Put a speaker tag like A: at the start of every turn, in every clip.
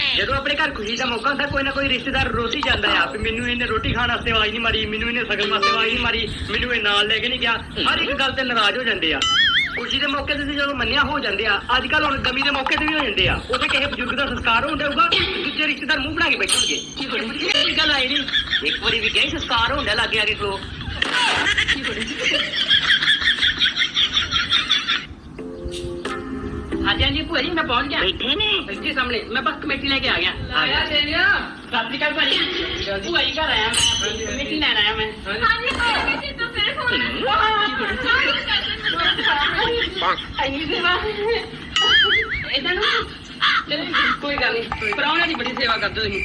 A: ਜਦੋਂ ਆਪਣੇ ਘਰ ਖੁਸ਼ੀ ਦਾ ਮੌਕਾ ਹੁੰਦਾ ਕੋਈ ਨਾ ਕੋਈ ਰਿਸ਼ਤੇਦਾਰ ਰੋਟੀ ਜਾਂਦਾ ਆ ਵੀ ਮੈਨੂੰ ਇਹਨੇ ਰੋਟੀ ਖਾਣ ਵਾਸਤੇ ਆਵਾਜ਼ ਨਹੀਂ ਮਾਰੀ, ਮੈਨੂੰ ਇਹਨੇ ਸ਼ਗਨ ਵਾਸਤੇ ਆਵਾਜ਼ ਨਹੀਂ ਮਾਰੀ, ਮੈਨੂੰ ਇਹ ਨਾਲ ਲੈ ਕੇ ਨਹੀਂ ਗਿਆ। ਹਰ ਇੱਕ ਗੱਲ ਤੇ ਨਾਰਾਜ਼ ਹੋ ਜਾਂਦੇ ਆ। ਖੁਸ਼ੀ ਦੇ ਮੌਕੇ ਤੇ ਜਦੋਂ ਮੰਨਿਆ ਹੋ ਜਾਂਦੇ ਆ, ਅੱਜ ਕੱਲ ਹੁਣ ਗਮੀ ਦੇ ਮੌਕੇ ਤੇ ਵੀ ਹੋ ਜਾਂਦੇ ਆ। ਉਹਦੇ ਕਿਸੇ ਬਜ਼ੁਰਗ ਦਾ ਸੰਸਕਾਰ ਹੋਣ ਦੇਊਗਾ, ਦੂਜੇ ਰਿਸ਼ਤੇਦਾਰ ਮੂੰਹ ਬਣਾ ਕੇ ਬੈਠਣਗੇ। ਕੀ ਗੱਲ ਆਈ ਨਹੀਂ, ਇੱਕ ਵਾਰੀ ਵੀ ਕਹੀ ਸੰਸਕਾਰ ਹੋਣ ਦਾ ਲੱਗੇ ਆ ਕੇ ਖਲੋ। ਹਾਂਜੀ ਹਾਂਜੀ ਭੂਆ ਜੀ ਮੈਂ ਪਹੁੰਚ ਗਿਆ। ਬੈਠੇ ਨੇ ਇੱਥੇ ਸਾਹਮਣੇ, ਮੈਂ ਬਸ ਕਮੇਟੀ ਲੈ ਕੇ ਆ ਗਿਆ। ਸਤਿ ਸ਼੍ਰੀ ਅਕਾਲ ਭਾਜੀ। ਭੂਆ ਜੀ ਘਰ ਆਇਆ ਮੈਂ, ਕਮੇਟੀ ਲੈਣ ਆਇਆ ਮੈਂ। ਏਦਾਂ ਨੂੰ ਕੋਈ ਗੱਲ ਨਹੀਂ, ਪ੍ਰਾਹੁਣੇ ਦੀ ਬੜੀ ਸੇਵਾ ਕਰਦੇ ਤੁਸੀਂ।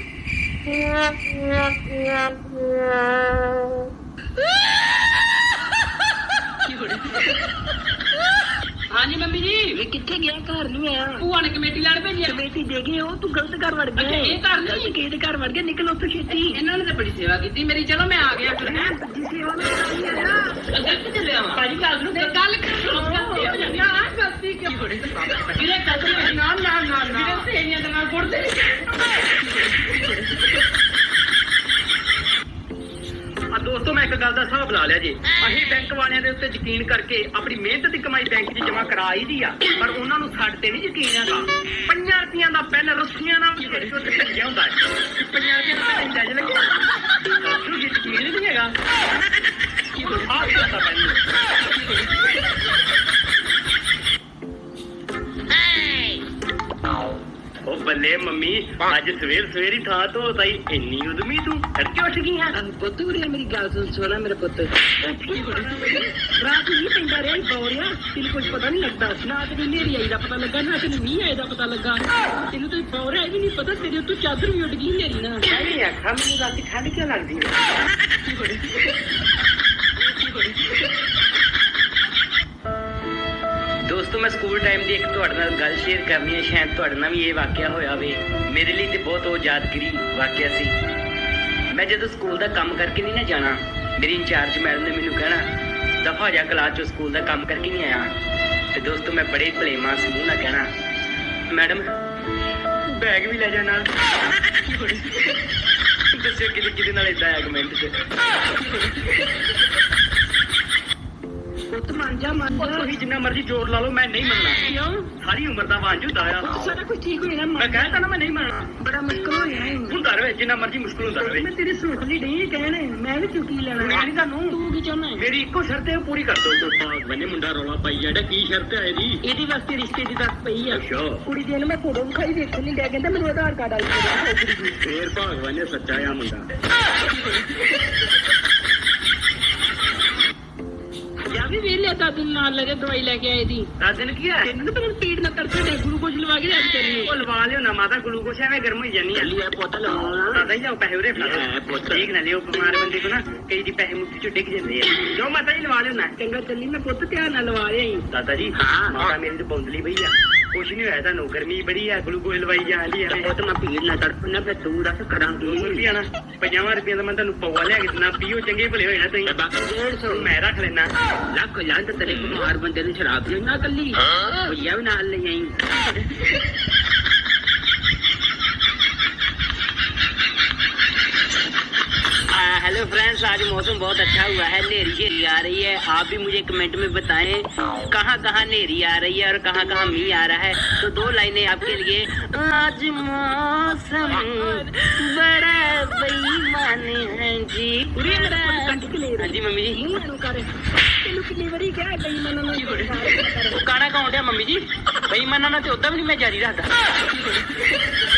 A: ਹਾਂਜੀ ਮੰਮੀ ਜੀ ਕਿੱਥੇ ਗਿਆ? ਘਰ ਨਹੀਂ ਆਇਆ। ਭੂਆ ਨੇ ਕਮੇਟੀ ਲੈਣ ਭੇਜੀ। ਕਮੇਟੀ ਦੇ ਗਏ ਉਹ, ਤੂੰ ਗਲਤ ਘਰ ਵੜ ਗਿਆ। ਇਹ ਘਰ ਨਹੀਂ, ਕਿਹਦੇ ਘਰ ਵੜ ਗਿਆ? ਨਿਕਲ ਉੱਥੋਂ ਛੇਤੀ। ਇਹਨਾਂ ਨੇ ਤਾਂ ਬੜੀ ਸੇਵਾ ਕੀਤੀ ਮੇਰੀ। ਚਲੋ ਮੈਂ ਆ ਗਿਆ ਫਿਰ। ਹੈ ਸੇਵਾ ਮੈਂ ਚੱਲਿਆ ਵਾ ਭਾਜੀ। ਗੱਲ ਨੂੰ ਗੱਲ ਗਲਤੀ ਕਿਉਂ ਬੜੀ ਨਾ ਨਾ ਨਾ ਨਾ ਸੇਨੀਆਂ ਦੇ ਨਾਲ ਗੁੜਦੇ। ਦੋਸਤੋ ਮੈਂ ਇੱਕ ਗੱਲ ਦਾ ਹਿਸਾਬ ਲਾ ਲਿਆ ਜੀ। ਅਸੀਂ ਬੈਂਕ ਵਾਲਿਆਂ ਦੇ ਉੱਤੇ ਯਕੀਨ ਕਰਕੇ ਆਪਣੀ ਮਿਹਨਤ ਦੀ ਕਮਾਈ ਬੈਂਕ 'ਚ ਜਮ੍ਹਾਂ ਕਰਾਈ ਦੀ ਆ, ਪਰ ਉਹਨਾਂ ਨੂੰ ਸਾਡੇ ਤੇ ਨਹੀਂ ਯਕੀਨ ਹੈਗਾ। 5 ਰੁਪਈਆਂ ਦਾ ਪੈਨ ਰੱਸੀਆਂ ਨਾਲ ਉੱਤੇ ਭੱਜਿਆ ਹੁੰਦਾ ਹੈ। 5 ਰੁਪਈਆਂ ਦਾ ਪੈਨ ਇੰਜ ਲੱਗੇ ਤੁਹਾਨੂੰ ਯਕੀਨ ਨਹੀਂ ਹੈਗਾ। ਆਹ ਕਿਹਦਾ ਪੈਨ? ਉਹ ਬੱਲੇ ਮੰਮੀ, ਅੱਜ ਸਵੇਰ ਹੀ ਥਾਂ ਤੋਂ ਤਾਈ ਇੰਨੀ ਉਦਮੀ ਤੂੰ ਤੜਕੇ ਉੱਠ ਗਈ ਹੈ। ਪੁੱਤ ਉਰੇ ਮੇਰੀ ਗੱਲ ਸੁਣਾ ਮੇਰੇ ਪੁੱਤ। ਰਾਤ ਹੀ ਪੈਂਦਾ ਰਿਹਾ ਬੌਰਿਆ, ਤੈਨੂੰ ਕੁਝ ਪਤਾ ਨਹੀਂ ਲੱਗਦਾ ਨਾ। ਤੈਨੂੰ ਹਨੇਰੀ ਆਈ ਦਾ ਪਤਾ ਲੱਗਾ ਨਾ ਤੈਨੂੰ ਮੀਂਹ ਆਏ ਦਾ ਪਤਾ ਲੱਗਾ। ਤੈਨੂੰ ਤਾਂ ਬੌਰਿਆ ਵੀ ਨਹੀਂ ਪਤਾ, ਤੇਰੇ ਉੱਤੋਂ ਚਾਦਰ ਵੀ ਉੱਡ ਗਈ ਹਨੇਰੀ ਨਾਲ। ਨਹੀਂ ਆਖਾ ਮੈਨੂੰ ਰਾਤੀ ਠੰਡ ਕਿਉਂ ਲੱਗਦੀ ਹੈ? ਦੋਸਤੋ ਮੈਂ ਸਕੂਲ ਟਾਈਮ ਦੀ ਇੱਕ ਤੁਹਾਡੇ ਨਾਲ ਗੱਲ ਸ਼ੇਅਰ ਕਰਨੀ ਹੈ। ਸ਼ਾਇਦ ਤੁਹਾਡੇ ਨਾਲ ਵੀ ਇਹ ਵਾਕਿਆ ਹੋਇਆ ਹੋਵੇ। ਮੇਰੇ ਲਈ ਤੇ ਬਹੁਤ ਉਹ ਯਾਦਗਾਰੀ ਵਾਕਿਆ ਸੀ। ਮੈਂ ਜਦੋਂ ਸਕੂਲ ਦਾ ਕੰਮ ਕਰਕੇ ਨਹੀਂ ਨਾ ਜਾਣਾ, ਮੇਰੀ ਇੰਚਾਰਜ ਮੈਡਮ ਨੇ ਮੈਨੂੰ ਕਹਿਣਾ ਦਫਾ ਜਾ ਕਲਾਸ ਚੋਂ ਸਕੂਲ ਦਾ ਕੰਮ ਕਰਕੇ ਨਹੀਂ ਆਇਆ। ਤੇ ਦੋਸਤੋ ਮੈਂ ਬੜੇ ਭਲੇਮਾਂ ਸਮੂਹ ਨਾਲ ਕਹਿਣਾ ਮੈਡਮ ਬੈਗ ਵੀ ਲੈ ਜਾ ਨਾਲ। ਦੱਸਿਓ ਕਿਹਦੇ ਨਾਲ ਏਦਾਂ ਆਇਆ ਕਮੈਂਟ 'ਚ। ਪੁੱਤ ਮੰਨ ਜਾ ਤੁਸੀਂ ਜਿੰਨਾ ਮਰਜ਼ੀ ਜ਼ੋਰ ਲਾ ਲਓ, ਮੈਂ ਨਹੀਂ ਮੰਨਣਾ। ਕਿਉਂ? ਸਾਰੀ ਉਮਰ ਦਾ ਵਾਂਝ ਹੁੰਦਾ ਆ। ਸਾਰਾ ਕੁਝ ਠੀਕ ਹੋ ਜਾਣਾ। ਮੈਂ ਕਹਿੰਦਾ ਨਾ ਮੈਂ ਨਹੀਂ ਮੰਨਣਾ। ਬੜਾ ਮੁਸ਼ਕਲ ਹੋ ਜਾਣਾ ਹੁੰਦਾ ਰਹੇ, ਜਿੰਨਾ ਮਰਜ਼ੀ ਮੁਸ਼ਕਲ ਹੁੰਦਾ ਰਹੇ। ਮੈਂ ਤੇਰੀ ਸੁਣ ਲਈ ਨਹੀਂ ਕਹਿਣ, ਮੈਂ ਵੀ ਚੁੱਕੀ ਲੈਣਾ। ਮੈਂ ਨਹੀਂ ਤੁਹਾਨੂੰ। ਤੂੰ ਕੀ ਚਾਹੁੰਦਾ? ਮੇਰੀ ਇੱਕੋ ਸ਼ਰਤ ਹੈ, ਉਹ ਪੂਰੀ ਕਰ ਦੋ। ਮੈਨੇ ਮੁੰਡਾ ਰੌਲਾ ਪਾਈ ਜਾਂਦਾ। ਕੀ ਸ਼ਰਤ ਹੈ ਇਹਦੀ? ਇਹਦੇ ਵਾਸਤੇ ਰਿਸ਼ਤੇ ਦੀ ਦੱਸ ਪਈ ਆ। ਅੱਛਾ। ਕੁੜੀ ਦੀ ਮੈਂ ਫੋਟੋ ਵਿਖਾਈ ਦੇਖਣ ਨਹੀਂ ਗਿਆ, ਕਹਿੰਦਾ ਮੈਨੂੰ ਆਧਾਰ ਕਾਰਡ ਵਾਲੀ ਕੁੜੀ। ਫੇਰ ਭਗਵਾਨ ਨੇ ਸੱਚਾ ਆ ਮੁੰਡਾ। ਵੀ ਵੇਲੇ ਦਾਦੂ ਨਾਲ ਲਗੇ ਦਵਾਈ ਲੈ ਕੇ ਆਏ ਦੀ। ਦਾਦੂ ਕੀ ਹੈ? ਤੈਨੂੰ ਤਾਂ ਪੀੜ ਨਾ ਤੜਕੇ ਦੇ ਗਲੂਕੋਜ਼ ਲਵਾ ਕੇ ਅੱਜ ਕਰੀ। ਉਹ ਲਵਾ ਲਿਓ ਨਾ ਮਾਤਾ, ਗਲੂਕੋਜ਼ ਐਵੇਂ ਗਰਮ ਹੋਈ ਜਾਨੀ ਆ। ਲਿਆ ਪੁੱਤ ਲਵਾਉਣਾ। ਦਾਦਾ ਹੀ ਜਾਓ ਪੈਸੇ ਉਰੇ ਫੜਾ ਪੁੱਤ। ਠੀਕ ਨਾ ਲਿਓ, ਬਿਮਾਰ ਬੰਦੇ ਕੋ ਨਾ ਕਈ ਦੀ ਪੈਸੇ ਮੁੱਠੀ ਚੋਂ ਡਿੱਗ ਜਾਂਦੇ ਆ। ਜੋ ਮਾਤਾ ਜੀ ਲਵਾ ਲਿਓ ਨਾ। ਚੰਗਾ ਚੱਲੀ, ਮੈਂ ਪੁੱਤ ਧਿਆਨ ਨਾਲ ਲਵਾ ਰਿਹਾ। ਦਾਦਾ ਜੀ ਮਾਤਾ ਮੇਰੀ ਤੇ ਬੌਂਦਲੀ ਪਈ ਆ। ਕੁਛ ਨਹੀਂ ਹੋਇਆ ਤੁਹਾਨੂੰ, ਗਰਮੀ ਬੜੀ ਆ, ਗਲੂਕੋਜ਼ ਲਵਾਈ ਜਾਂਦੀ ਆ। ਉਹ ਤਾਂ ਮੈਂ ਪੀੜ ਨਾ ਤੜਪਣਾ, ਫਿਰ ਤੂੰ ਦੱਸ ਕਰਾਂਗੀ। 200 ਰੁਪਿਆ ਨਾ 50 ਰੁਪਏ ਦਾ ਮੈਂ ਤੁਹਾਨੂੰ ਪਵਾ ਲਿਆ ਕੇ ਨਾ ਪੀਓ, ਚੰਗੇ ਭਲੇ ਹੋਏ ਨਾ ਤੁਸੀਂ। 150 ਮੈਂ ਰੱਖ ਲੈਣਾ। ਲੱਖ ਲੱਖ ਤੇਰੇ ਬਿਮਾਰ ਬੰਦੇ ਨੂੰ ਸ਼ਰਾਬ ਪੀਣ ਨਾ ਕੱਲੀ ਭਈਆ ਵੀ ਨਾਲ ਲੈ ਆਈ। हेलो फ्रेंड्स, आज मौसम बहुत अच्छा हुआ है, नेरी शेरी आ रही है। आप भी मुझे कमेंट में बताएं कहाँ कहाँ नेरी आ रही है और कहाँ कहाँ मींह आ रहा है। तो 2 लाइनें आपके लिए। आज मौसम बड़ा बेईमान है जी। हाँ जी मम्मी जी। गाना कौन है मम्मी जी? बेईमाना ना तो उदा भी नहीं मैं जारी रखता।